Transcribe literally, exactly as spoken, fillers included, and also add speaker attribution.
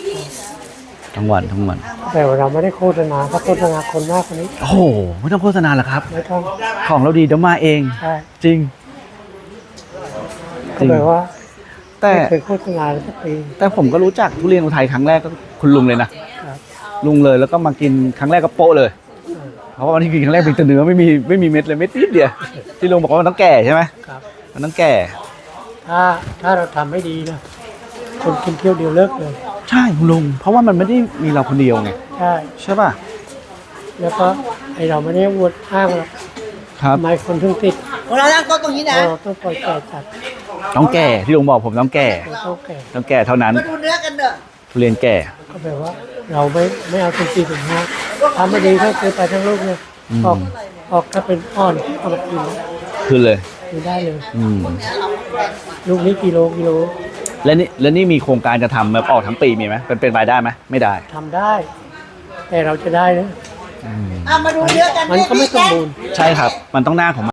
Speaker 1: ทั้งวันทั้งวัน
Speaker 2: แต่ว่าเราไม่ได้โฆษณาถ้าโฆษณาคนมากกว่านี้
Speaker 1: โอ้โหไม่ต้องโฆษณาหรอกครับ
Speaker 2: ไม่ต้อง
Speaker 1: ของเราดีเดี๋ยวมาเอง
Speaker 2: ใช่
Speaker 1: จริง
Speaker 2: ก็แปลว่า
Speaker 1: แต่
Speaker 2: ไม่เคยโฆษณาสักปี
Speaker 1: แต่ผมก็รู้จักทุเรียนอุทัยครั้งแรกก็คุณลุงเลยนะครับลุงเลยแล้วก็มากินครั้งแรกก็โป๊ะเลยเพราะว่าวันที่กินครั้งแรกเป็นแต่เนื้อไม่มีไม่มีเม็ดเลยเม็ดนิดเดียวที่ลุงบอกว่ามันต้องแก่ใช่ไหม
Speaker 2: ครับ
Speaker 1: มันต้องแก่
Speaker 2: ถ้าถ้าเราทำไม่ดีนะคนกินเที่ยวเดียวเลิกเลย
Speaker 1: ใช่คุณลุงเพราะว่ามันไม่ได้มีเราคนเดียวไง
Speaker 2: ใช่
Speaker 1: ใช่ป่ะ
Speaker 2: แล้วก็ไอเราไม่ได้อวดอ้างหรอก
Speaker 1: ครับ
Speaker 2: ทำไมคนถึงติด
Speaker 3: เราตั้งโต๊ะตรงนี้นะ
Speaker 2: เราต้องปล่อยแก่จัด
Speaker 1: ต้องแก่ที่ลุงบอกผมต้องแก่
Speaker 2: ต้องแก่
Speaker 1: ต้องแก่เท่านั้น
Speaker 3: มาดูเนื้อกันเถอะ
Speaker 1: ทุเรียนแก่
Speaker 2: ก็แปลว่าเราไม่ไม่เอาถึงสี่ถึงห้าทำไม่ดีก็คือไปทั้งลูกเนี่ยออกออกถ้าเป็นอ่อนเอามากิน
Speaker 1: คือเลย
Speaker 2: กินได้เลย
Speaker 1: อืม
Speaker 2: ลูกนี้กิโลกิโล
Speaker 1: แล้วนี่แล้วนี่มีโครงการจะทำแบบออกทั้งปีมีไหมเป็นเป็นรายได้ไหมไม่ได้
Speaker 2: ทำได้ แต่เราจะได้นะ
Speaker 3: มาดูเนื้อกัน
Speaker 2: มันก็ไม่สมบูรณ์
Speaker 1: ใช่ครับมันต้องหน้าของ